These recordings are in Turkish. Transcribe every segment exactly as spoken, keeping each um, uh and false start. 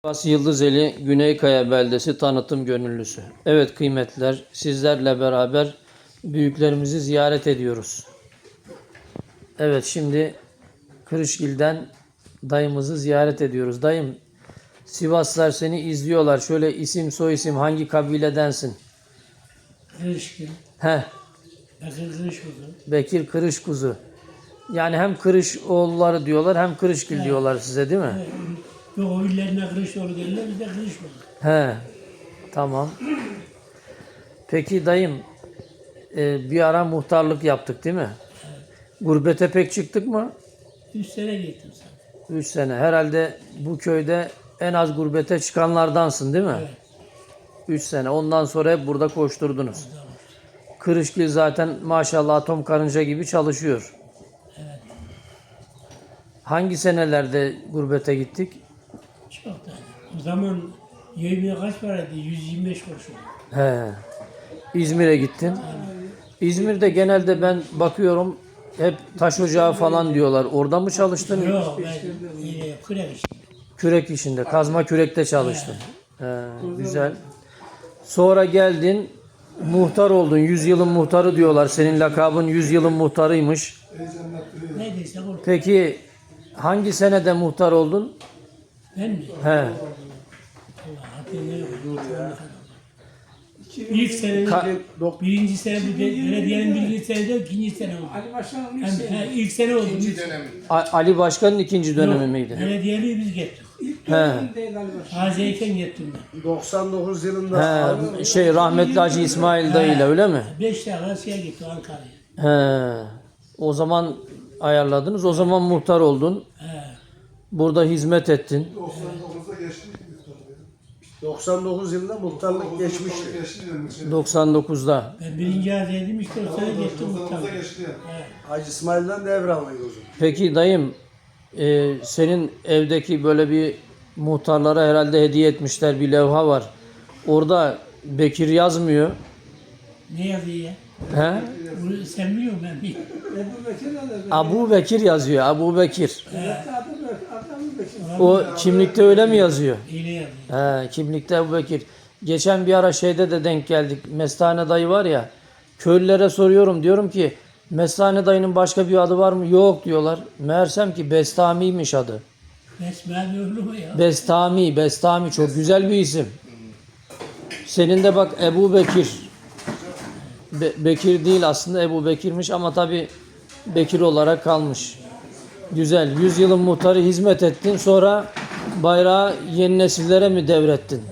Sivas Yıldızeli Güneykaya Beldesi tanıtım gönüllüsü. Evet kıymetliler, sizlerle beraber büyüklerimizi ziyaret ediyoruz. Evet, şimdi Kırışgil'den dayımızı ziyaret ediyoruz. Dayım, Sivaslılar seni izliyorlar. Şöyle isim soyisim hangi kabiledensin? Kırışgil. He, Bekir Kırışkuzu. Bekir Kırışkuzu. Yani hem Kırışoğulları diyorlar hem Kırışgil Evet. diyorlar size, değil mi? Ve o illerine Kırışoğlu derler, biz de Kırışoğlu. He, tamam. Peki dayım, e, bir ara muhtarlık yaptık değil mi? Gurbete pek çıktık mı? Üç sene gittim sana. Üç sene. Herhalde bu köyde en az gurbete çıkanlardansın değil mi? Evet. Üç sene. Ondan sonra hep burada koşturdunuz. Kırışgil zaten maşallah atom karınca gibi çalışıyor. Evet. Hangi senelerde gurbete gittik? Çok da. O zaman yemeğe kaç paraydı? yüz yirmi beş kuruş oldu. He. İzmir'e gittin. İzmir'de genelde ben bakıyorum hep taş ocağı falan diyorlar. Orada mı çalıştın? Yok, ben yine kürek işim. Kürek işinde, kazma kürekte çalıştın. He, güzel. Sonra geldin, muhtar oldun. Yüzyılın muhtarı diyorlar. Senin lakabın yüzyılın muhtarıymış. Neydeyse oldu. Peki hangi senede muhtar oldun? Ben mi? He. Allah hatırlıyorum. İlk sene, Ka- birinci sene, bu be- belediyenin birinci senede, ikinci sene oldu. Ali Başkan'ın ilk Hem, sene. he, ilk sene oldu. İkinci dönemi. A- Ali Başkan'ın ikinci dönemi miydi? Belediyeliği biz gittik. İlk He. dönemindeydi Ali Başkan. Tazeyken gittim ben. doksan dokuz yılında He, şey rahmetli Hacı İsmail dayıyla öyle mi? Beş tane şeye gitti Ankara'ya. He. O zaman ayarladınız. O zaman muhtar oldun. He. Burada hizmet ettin. doksan dokuz yılında muhtarlık geçmişti. doksan dokuzda. Ben birinci azeydim işte o sene gittim muhtarlığa. He. Hacı İsmail'den devralıydı o zaman. Peki dayım, e, senin evdeki böyle bir muhtarlara herhalde hediye etmişler bir levha var. Orada Bekir yazmıyor. Ne yazıyor ya? He? Bunu sen biliyor musun ben bilmiyorum. Ebu Bekir de de. Abu Bekir yazıyor. Abu Bekir. Adı Bekir. Adı Bekir. O kimlikte öyle mi yazıyor? Hile yazıyor. He, kimlikte Ebu Bekir. Geçen bir ara şeyde de denk geldik. Mestane dayı var ya. Köylülere soruyorum. Diyorum ki Mestane dayının başka bir adı var mı? Yok diyorlar. Meğersem ki Bestami'ymiş adı. Besmele öldü mü ya? Bestami, Bestami çok güzel bir isim. Senin de bak Ebu Bekir. Be- Bekir değil aslında Ebu Bekir'miş ama tabi Bekir olarak kalmış. Güzel. Yüzyılın muhtarı hizmet ettin. Sonra bayrağı yeni nesillere mi devrettin?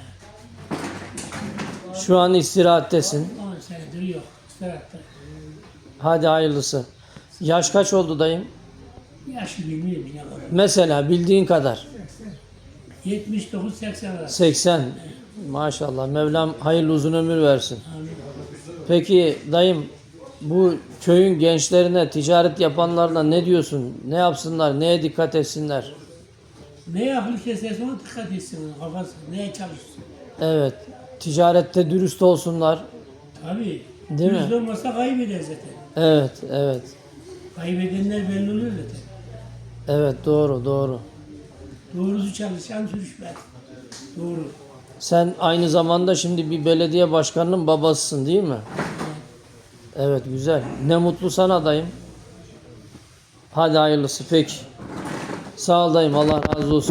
Şu an istirahattesin. On senedir yok. Seratta. Hadi hayırlısı. Yaş kaç oldu dayım? Yaşı bilmiyorum ne kadar. Mesela bildiğin kadar. yetmiş dokuz seksen arası. seksen. Maşallah. Mevlam hayırlı uzun ömür versin. Amin. Peki dayım, bu köyün gençlerine, ticaret yapanlarına ne diyorsun? Ne yapsınlar? Neye dikkat etsinler? Neye akıl keserse ona dikkat etsin. Kafası neye çalışsın. Evet. Ticarette dürüst olsunlar. Tabii. Değil mi? Dürüst olmasa kaybeder zaten. Evet, evet. Kaybedenler belli oluyor zaten. Evet, doğru, doğru. Doğrusu çalışan sürüşmez. Doğru. Sen aynı zamanda şimdi bir belediye başkanının babasısın değil mi? Evet, güzel. Ne mutlu sana dayım. Hadi hayırlısı. Peki. Sağ ol dayım. Allah razı olsun.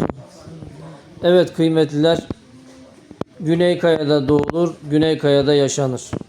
Evet kıymetliler. Güneykaya'da doğulur, Güneykaya'da yaşanır.